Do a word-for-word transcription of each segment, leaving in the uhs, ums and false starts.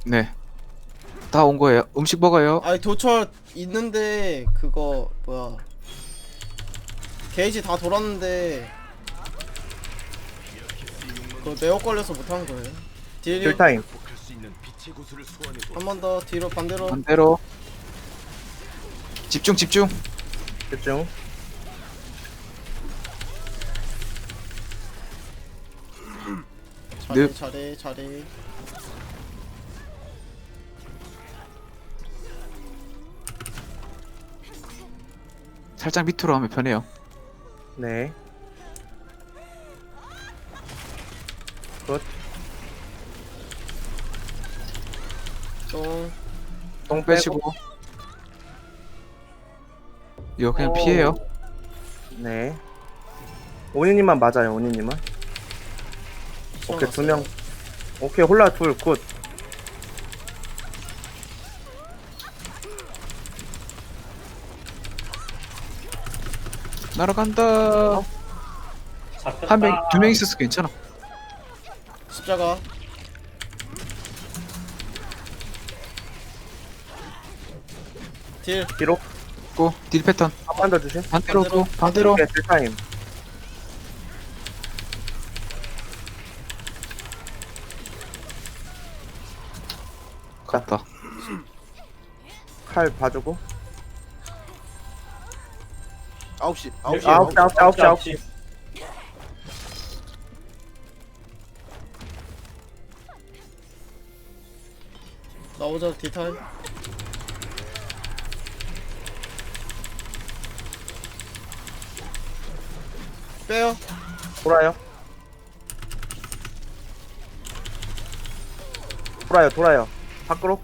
네. 다 온 거예요. 음식 먹어요. 아니 도철 있는데 그거 뭐야 게이지 다 돌았는데 그 매혹 걸려서 못한 거예요. 딜 딜타임. 한 번 더 뒤로 반대로. 반대로. 집중 집중. 집중. 잘해 네. 잘해 잘해. 살짝 밑으로 하면 편해요. 네. 굿. 똥. 똥 빼시고. 빼고. 이거 그냥 오. 피해요. 네. 오니님만 맞아요. 오니님만. 오케이 두 명. 오케이 홀라 둘 굿. 날아간다. 한 명, 두 명 있었어 괜찮아. 십자가. 딜. 뒤로 고, 딜 패턴. 한 번 더 주심. 반대로 반대로. 고, 반대로. 오케이 딜타임. 갔다. 칼 봐주고. 아홉 시 아홉 시 아홉 시 아홉 시 아홉 시 아홉 시. 나오자 딜타임. 빼요. 돌아요. 돌아요 돌아요. 밖으로.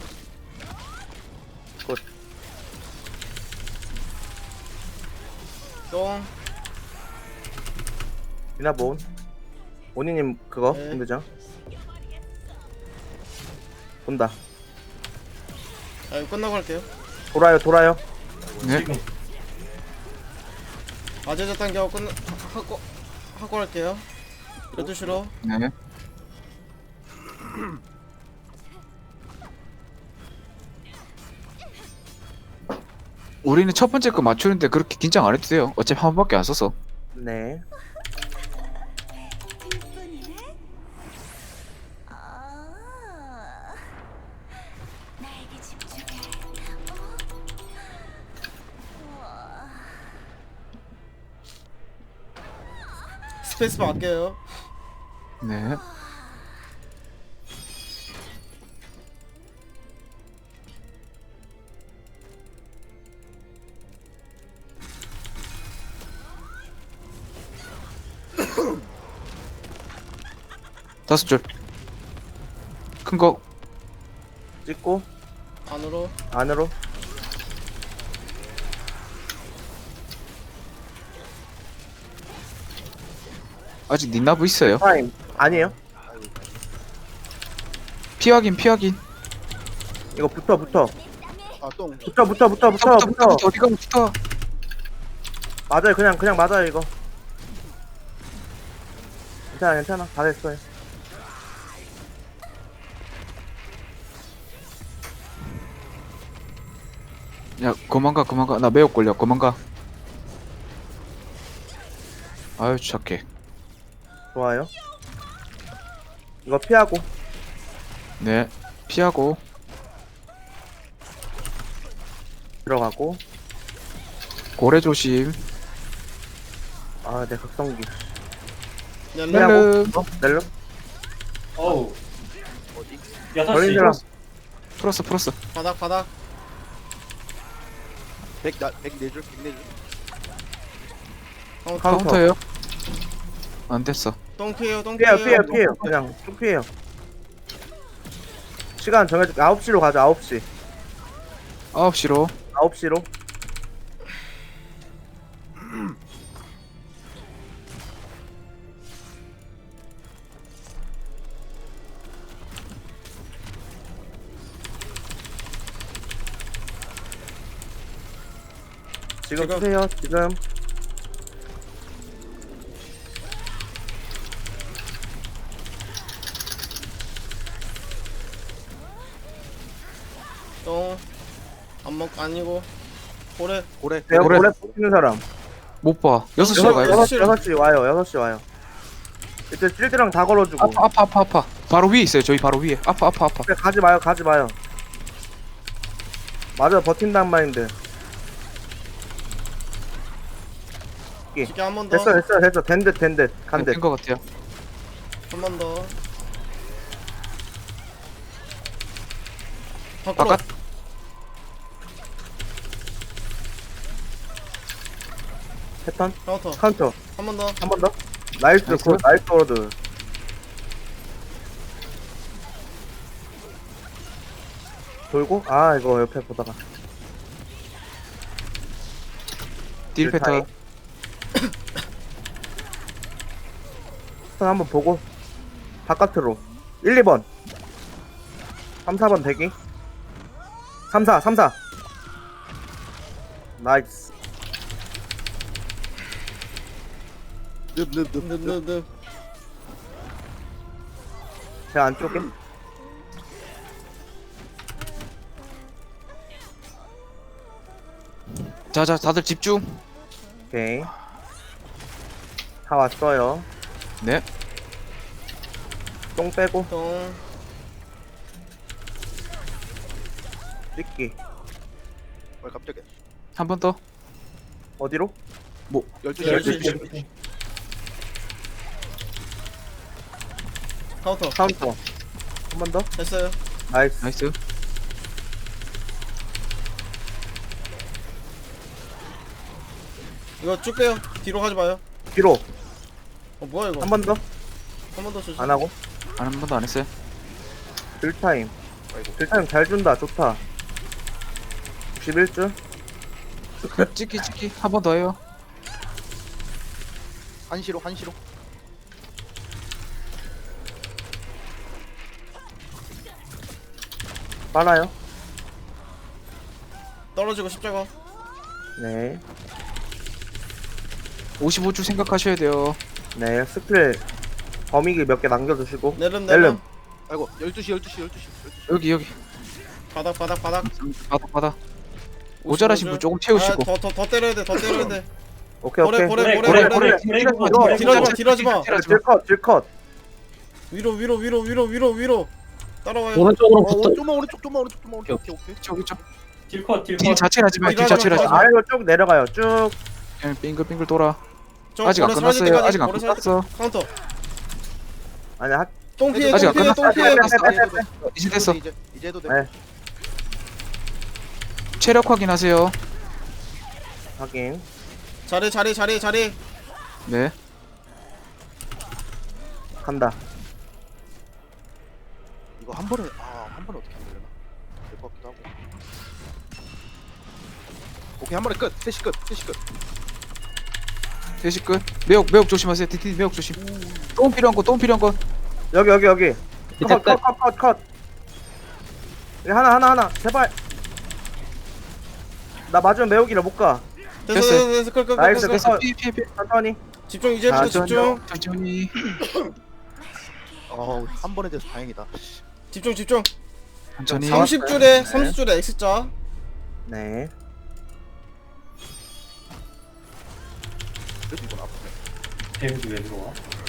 굿. 똥. 미나본. 오니님 그거 네. 힘들죠? 본다. 아 이거 끝나고 할게요. 돌아요 돌아요. 네. 아재자 당겨 끝나 하- 하고 하고 할게요. 열두 시로. 네. 우리는 첫 번째 거 맞추는데 그렇게 긴장 안 해도 돼요. 어차피 한 번밖에 안 써서. 네. 아, 나에게 집중해. 어? 스페이스바 아껴요. 네. 다섯 줄. 큰 거. 찍고 안으로. 안으로. 아직 닌나브 있어요. 타임. 아니에요. 피 확인, 피 확인. 이거 붙어 붙어. 아똥 붙어 붙어 붙어 붙어 붙어, 붙어, 붙어. 붙어, 어디가 붙어. 맞아요. 그냥 그냥 맞아요 이거. 괜찮아 괜찮아. 다 됐어요. 야, 그만가, 그만가. 나 매혹 걸려, 그만가. 아유, 착해. 좋아요. 이거 피하고. 네. 피하고. 들어가고. 고래 조심. 아, 내 각성기. 넬름. 넬름. 어? 넬름? 어우 어디 여섯 시 걸린사람. 풀었어, 풀었어. 바닥 바닥. 백나 백네줄 백네줄 카운터. 카운터. 카운터예요. 안 됐어. 똥 피해요. 똥 피해요, 피해요. 피해요, 피해요. 그냥 쭉 피해요. 시간 정해줄게. 아홉 시로 가자, 아홉 시. 아홉 시로. 아홉 시로. 지금 지금. 쓰세요, 지금. 똥. 안 먹, 아니고. 고래. 고래. 내가 그래. 고래 뽑히는 사람. 못 봐. 여섯 시로 여섯, 가야 돼. 여섯, 여섯 시 와요. 여섯 시 와요. 이제 실드랑 다 걸어주고. 아파 아파 아파 아파. 바로 위에 있어요. 저희 바로 위에. 아파 아파 아파. 그래, 가지 마요. 가지 마요. 맞아 버틴단 마인드. 기계 한 번 더. 됐어 됐어 됐어. 된듯 된듯 간듯. 된것 같아요. 한 번 더. 밖으로. 바깥. 패턴 카운터. 카운터 한 번 더. 한 번 더. 나이스 나이스. 굿 나이스 워드. 돌고 아 이거 옆에 보다가 딜 패턴. 패턴 한번 보고 바깥으로 일, 이 번 삼, 사 번 대기 삼, 사, 삼, 사 나이스. 늪늪늪 늪늪늪. 제 안쪽에 자자 다들 집중. 오케이 다 왔어요. 네. 똥 빼고 똥. 찍기 왜 갑자기 한 번 더. 어디로? 열두 시 열두 열두 시. 시 카운터. 카운터 한 번 더. 됐어요. 나이스. 나이스. 이거 쭉 빼요. 뒤로 가지 마요. 뒤로 어 뭐야 이거? 한 번 더. 한 번 더 주지. 안 하고 한 번도 안 했어요. 딜타임. 아이고. 딜타임 잘 준다. 좋다. 육십일 줄. 찍기 찍기 한 번 더 해요. 한시로 한시로 빨아요. 떨어지고 십자가. 네. 오십오 줄 생각하셔야 돼요. 네. 스킬 범위기 몇 개 남겨두시고. 내름 내름. 내름. 아이고 열두 시 열두 시 열두 시 여기 여기 바닥 바닥 바닥. 바닥 바닥. 모자라신 분 조금 채우시고. 더더 더 때려야 돼. 더 때려야 돼. 오케이 고래 오케이. 고래 고래, 고래 고래, 고래. 고래, 이거 고래, 뒤로 하지 마. 고래. 뒤로 하지 마. 딜하지 마. 딜컷 딜컷. 위로 위로 위로 위로 위로 위로. 따라와요. 오른쪽으로 어 붙어. 오, 좀만 오른쪽 좀만 오른쪽 좀만 오른쪽 오케이 오케이 저기 저 딜컷 딜 딜컷 자체를 하지 마요. 딜 딜하지 자체를 하지 마. 마. 아래로 쭉 내려가요. 쭉. 그냥 빙글빙글 돌아. 저 아직 안 고래 사라질 끝났어요. 때까지, 아직 안 고래 사라질 끝났어. 때- 카운터. 아니 하. 똥 피해 아직 똥 안 피해 끝났어. 똥 아직 피해. 안 끝났어. 빼, 빼, 빼, 빼. 이제 됐어. 이제 이제 해도 돼 네. 체력 확인하세요. 확인. 자리 자리 자리 자리. 네. 간다. 이거 한 번에 아한 번에 어떻게 하려나 될 것 같기도 하고 오케이 한 번에 끝 셋이 끝 셋이 끝 대시 끝. 매혹 매혹 조심하세요. 디디 매혹 조심. 똥 필요한 거, 똥 필요한 거. 여기 여기 여기. 밑에 끝. 컷컷컷 컷 컷. 여기 하나 하나 하나. 제발. 나 맞으면 매우기를 못 가. 됐어 됐어요. 됐어 됐어 끌, 끌, 끌, 나이스, 끌, 끌. 됐어. 피해 피해 피해. 천천히. 집중 이제부터 아, 집중. 천천히. 어한 번에 돼서 다행이다 집중 집중. 천천히. 삼십 줄에 삼십 줄에 X자. 네. 그래도 이건 아프네 데미지 왜 들어와?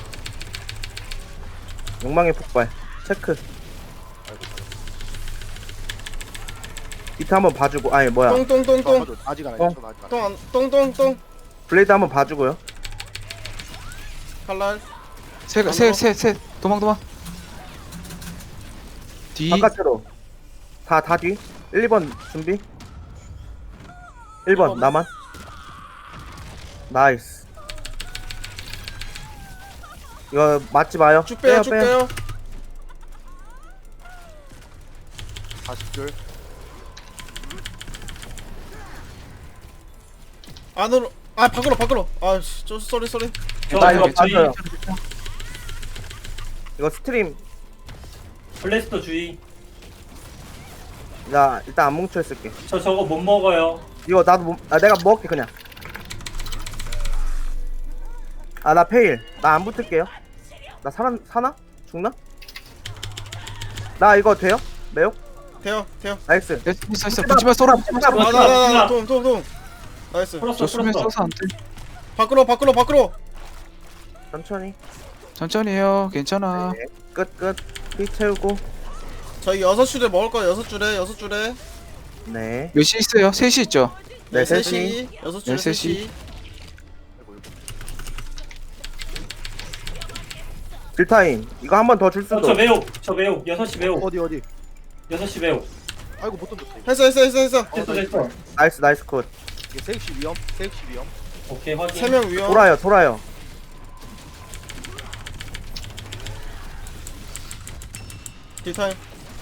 욕망의 폭발. 체크. 비트 한번 봐주고. 아니 뭐야. 똥똥똥똥. 어, 아직 안 어. 해. 저 아직 안 해. 똥똥똥똥. 블레이드 한번 봐주고요. 칼날. 세세세세 도망 도망. 뒤. 바깥으로. 다 다 뒤. 일, 이 번 준비. 일 번 나만. 나이스. 이거 맞지 마요. 쭉 빼요 쭉 빼요. 사십 줄 안으로. 아 밖으로 밖으로. 아씨 저 쏘리 쏘리. 나 이거 주의. 맞아요. 이거 스트림. 블래스터 주의. 나 일단 안 뭉쳐 있을게. 저 저거 못 먹어요. 이거 나도 못, 아, 내가 먹을게 그냥. 아 나 페일. 나 안 붙을게요. 나 살아 사나? 죽나? 나 이거 돼요? 매우? 돼요 돼요. 나이스. 됐어 있어 있어 붙지마 쏘라 붙지마 쏘라. 붙지마, 나나나나 붙지마. 돔돔돔. 나이스. 풀었어 저 수면 풀었어. 써서 안돼. 밖으로 밖으로 밖으로. 천천히. 천천히 해요 괜찮아. 네. 끝 끝. 피 채우고. 저희 여섯 줄에 먹을 거 여섯 줄에 여섯 줄에. 네. 몇 시 있어요? 셋 시 있죠? 네, 네, 셋이. 셋이 여섯 줄에 네, 셋이. 셋이. 아이고 이거. 딜타임. 이거 한 번 더 줄 어, 수도. 저 매혹 저 매혹 여섯 시 매혹 어디 어디? 여섯 시 매혹. 아이고 못 던졌다. 이거. 했어 했어 했어 했어. 됐어 됐어. 나이스 나이스 컷. 이게 세익시 위험. 세익시 위험. 오케이 확인. 세 명 위험. 돌아요 돌아요. 딜타임.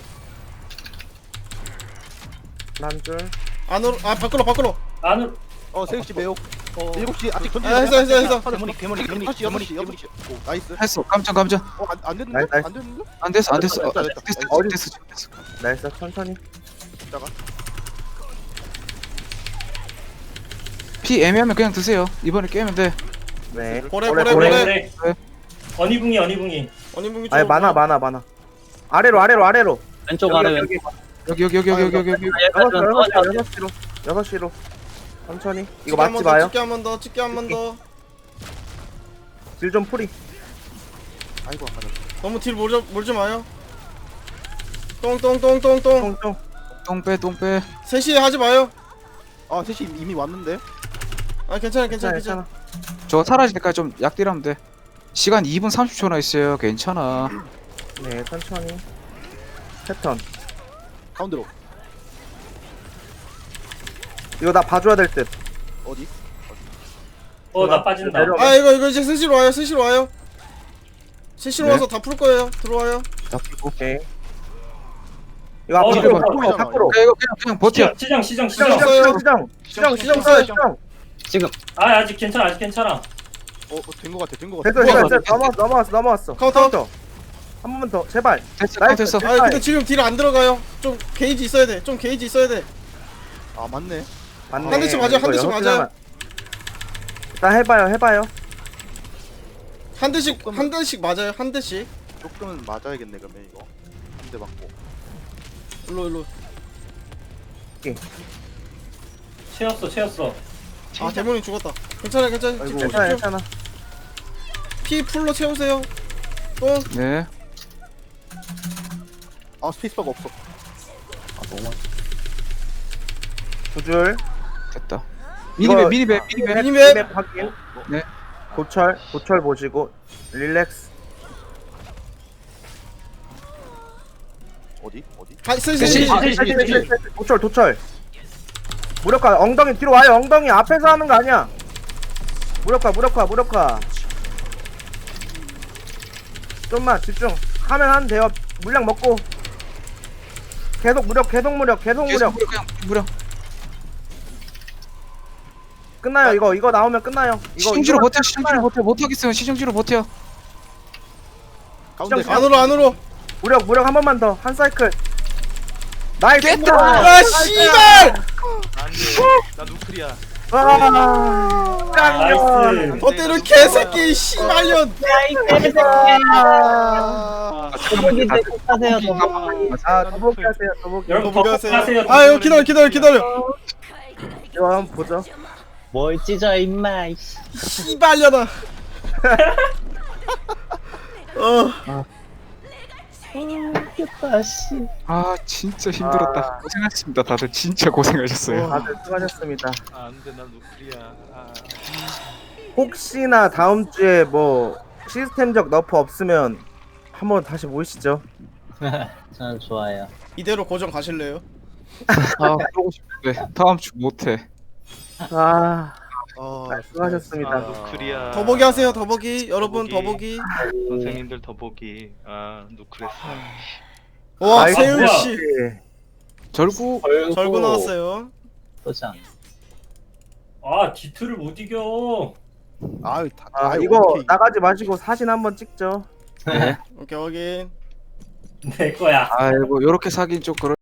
한 줄. 안으로 아 밖으로 밖으로. 안으로. 어 세익시 매혹. 어. 일곱 시 아직 던지지. 아, 했어, 했어, 했어. 대머리 대머리 대머리 여섯 시 여섯 시 여섯 시. 오 나이스. 했어 깜짝 깜짝. 어안안 됐는데? 나이스, 나이스. 안 됐는데? 안 됐어 안 됐어. 됐다, 어, 됐다, 됐어 됐다. 됐어 됐어 지금 됐어. 나이스 천천히. 이따가. 피 애매하면 그냥 드세요. 이번에 깨면 돼. 네. 보래, 보래, 보래, 보래. 보래. 그래. 어니붕이 어니붕이. 언니분기 아니 많아 많아 많아. 아래로 아래로 아래로. 왼쪽 아래 왼쪽. 여기 여기 여기 여기 여기 여기 여기. 여섯 시로 여섯 시로 여섯 시로 여섯 시로. 천천히. 이거 맞지 마요. 찍게 한 번 더 찍게 한 번 더. 딜 좀 풀이. 아이고 안 맞았어. 너무 딜 몰지 몰지 마요. 똥똥똥똥똥. 똥똥. 똥빼 똥빼. 셋이 하지 마요. 아 셋이 이미 왔는데. 아 괜찮아 괜찮아 괜찮아 괜찮아. 괜찮아. 저거 사라질 때까지 좀 약딜하면 돼. 시간 이 분 삼십 초나 있어요. 괜찮아. 네 천천히. 패턴. 가운데로. 이거 나 봐줘야 될 듯. 어디? 어 나 빠진다. 내려. 아 이거 이거 이제 셋이로 와요 셋이로 와요. 셋이로 네. 와서 다 풀 거예요. 들어와요. 나 풀고. 오케이. 이거 어, 앞으로 이거 밖으로 밖으로. 야, 이거 그냥 그냥 버텨. 시정 시정 시정 시정 시정. 써요. 시정 시정 시정 시정 시정 써요 시정. 시정. 지금 아 아직 괜찮아 아직 괜찮아. 어된 거 같아. 된 거 같아. 됐어 뭐야, 됐어 됐어. 넘어왔어 넘어왔어 넘어왔어. 카운터. 한 번만 더 제발. 됐어 나이스. 됐어. 아 근데 지금 딜 안 들어가요. 좀 게이지 있어야 돼. 좀 게이지 있어야 돼. 아 맞네. 맞네. 한 대씩 맞아요, 한 이거 대씩 여섯 맞아요. 개만. 일단 해봐요 해봐요. 한 대씩 한 대씩 맞아요. 한 대씩. 조금은 맞아야겠네 그러면 이거. 한 대 맞고. 일로 일로. 채웠어 채웠어. 아 대문이 죽었다. 괜찮아 괜찮아. 아이고 집중 괜찮아 집중. 괜찮아. 피 풀로 채우세요. 똥. 네. 아 스페이스바가 없어. 두 줄. 됐다. 이거- 미니맵 미니맵 미니맵. 미니맵. 맵 확인. 네. 고철 고철 보시고 릴렉스. 어디? 어디? 아 셋이 셋이. 셋이. 아, 셋이, 셋이, 셋이. 도철 도철. 무력화 엉덩이 뒤로 와요. 엉덩이 앞에서 하는 거 아니야. 무력화 무력화 무력화. 좀만 집중. 하면 하면 돼요. 물량 먹고. 계속 무력 계속 무력 계속 계속 무력. 무려 그냥 무려. 끝나요 이거 이거 나오면 끝나요. 이거 시중지로 이거 버텨 시중지로 버텨 못하겠으면 시중지로 버텨. 가운데 시정- 안으로 안으로. 무력 무력 한 번만 더 한 사이클. 나이스. 깼다! 아 씨발. 나 누클이야. 와. 나이스. 더 때려 개새끼 씨발년. 아. 더보기 하세요 더보기. 아 더보기 하세요 더보기. 여러분 더보기 더 하세요. 하세요. 아 이거 기다려 기다려 기다려. 이거 한번 보죠. 뭘 찢어 임마 이씨. 씨발년아. 어. 웃겼다 씨. 아 진짜 힘들었다. 아. 고생하셨습니다. 다들 진짜 고생하셨어요. 다들 수고하셨습니다. 안돼 나 누클이야. 아. 혹시나 다음 주에 뭐 시스템적 너프 없으면 한번 다시 모이시죠. 저는 좋아요. 이대로 고정 가실래요? 아 그러고 싶은데 다음 주 못해. 아, 아, 아 수고하셨습니다. 누클이야. 더보기 하세요 더보기. 여러분 더보기. 더보기. 선생님들 더보기. 아 누클했어. 와 나이스. 세윤 씨. 결국 절구 나왔어요. 보자. 아 디트를 못 이겨. 아유 다. 아 아유, 이거 오케이. 나가지 마시고 사진 한번 찍죠. 오케이 확인. 내 거야. 아이고 요렇게 사긴 좀 그럴.